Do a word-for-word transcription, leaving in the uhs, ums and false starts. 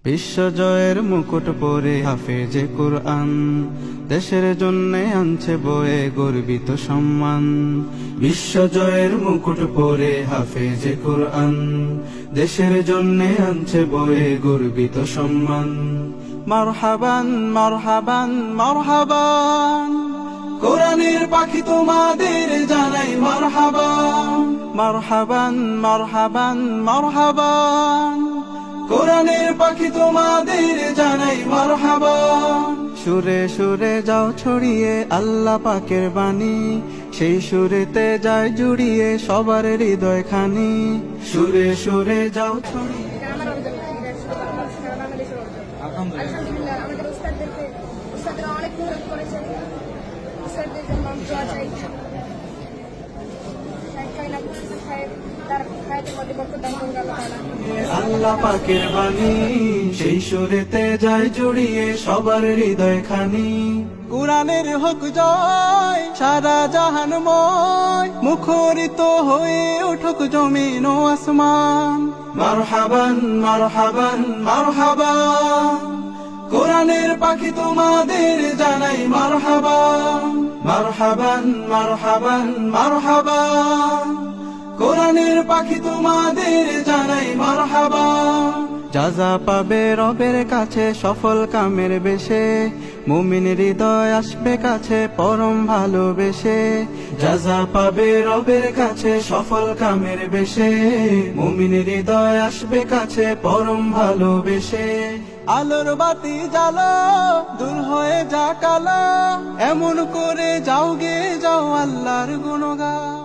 বিশ্বজয়ের মুকুট পরে হাফেজে কুরআন, দেশের জন্যে আনছে বয়ে গর্বিত সম্মান। বিশ্বজয়ের মুকুট পরে হাফেজে কুরআন, দেশের জন্যে আনছে বয়ে গর্বিত সম্মান। মারহাবান মারহাবান মারহাবান, কোরআনের পাখি তোমাদের জানাই মারহাবান। মারহাবান মারহাবান মারহাবান, কোরআনের পাখি তোমাদের জানাই মারহাবান। সুরে সুরে যাও ছড়িয়ে আল্লাহ পাকের বাণী, সেই সুরেতে যায় জুড়িয়ে সবার হৃদয় খানি। সুরে সুরে যাও ছড়িয়ে আলহামদুলিল্লাহ আমাদের উস্তাদদেরকে উস্তাদরা অনেক মেহনত করেছেন। উস্তাদদের জন্য আমি দোয়া চাই। আল্লাহ পাকের বাণী, সেই সুরেতে যায় জুড়িয়ে সবার হৃদয় খানি। কুরআনের হোক জয়, সারা জাহানময় মুখরিত হয়ে উঠুক জমিন ও আসমান। মারহাবান মারহাবান মারহাবান, কোরআনের পাখি তোমাদের জানাই মারহাবান। মারহাবান মারহাবান মারহাবান, কোরআনের পাখি তোমাদের জানাই মারহাবান। যাজা পাবে রবের কাছে সফল কামের বেশে, মুমিন হৃদয় আসবে কাছে পরম ভালোবেসে। যাজা পাবে রবের কাছে সফল কামের বেশে, মুমিন হৃদয় আসবে কাছে পরম ভালোবেসে। আলোর বাতি জ্বালো, দূর হয়ে যা কালো, এমন করে যাও গে যাও আল্লাহর গুণগান।